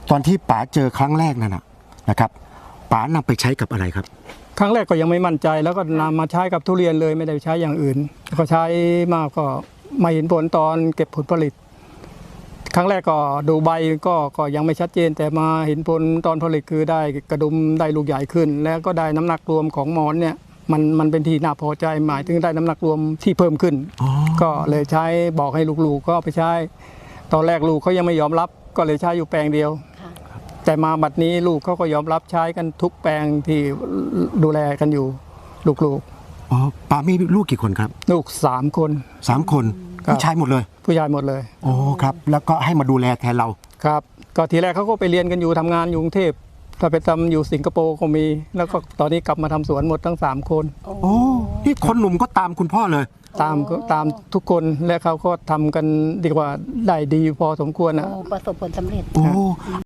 ตอนที่ป๋าเจอครั้งแรกนั่นนะครับป๋านำไปใช้กับอะไรครับครั้งแรกก็ยังไม่มั่นใจแล้วก็นำมาใช้กับทุเรียนเลยไม่ได้ใช้อย่างอื่นก็ใช้มากก็ไม่เห็นผลตอนเก็บผลผลิตครั้งแรกก็ดูใบก็ยังไม่ชัดเจนแต่มาเห็นผลตอนผลิตคือได้กระดุมได้ลูกใหญ่ขึ้นแล้วก็ได้น้ำหนักรวมของหมอนเนี่ยมันเป็นที่น่าพอใจหมายถึงได้น้ำหนักรวมที่เพิ่มขึ้นก็เลยใช้บอกให้ลูกๆก็ไปใช้ตอนแรกลูกเขายังไม่ยอมรับก็เลยใช้อยู่แปลงเดียวแต่มาบัดนี้ลูกเขาก็ยอมรับใช้กันทุกแปลงที่ดูแลกันอยู่ลูกอ๋อป๋ามีลูกกี่คนครับลูก3 คน 3 คนผู้ชายหมดเลยผู้ชายหมดเลยโอ้ครับแล้วก็ให้มาดูแลแทนเราครับก็ทีแรกเขาก็ไปเรียนกันอยู่ทำงานอยู่กรุงเทพถ้าไปทำอยู่สิงคโปร์ก็มีแล้วก็ตอนนี้กลับมาทำสวนหมดทั้ง3 คนโอ้นี่คนหนุ่มก็ตามคุณพ่อเลยตามทุกคนและเขาก็ทำกันดีกว่าได้ดีพอสมควรนะประสบผลสำเร็จโอ้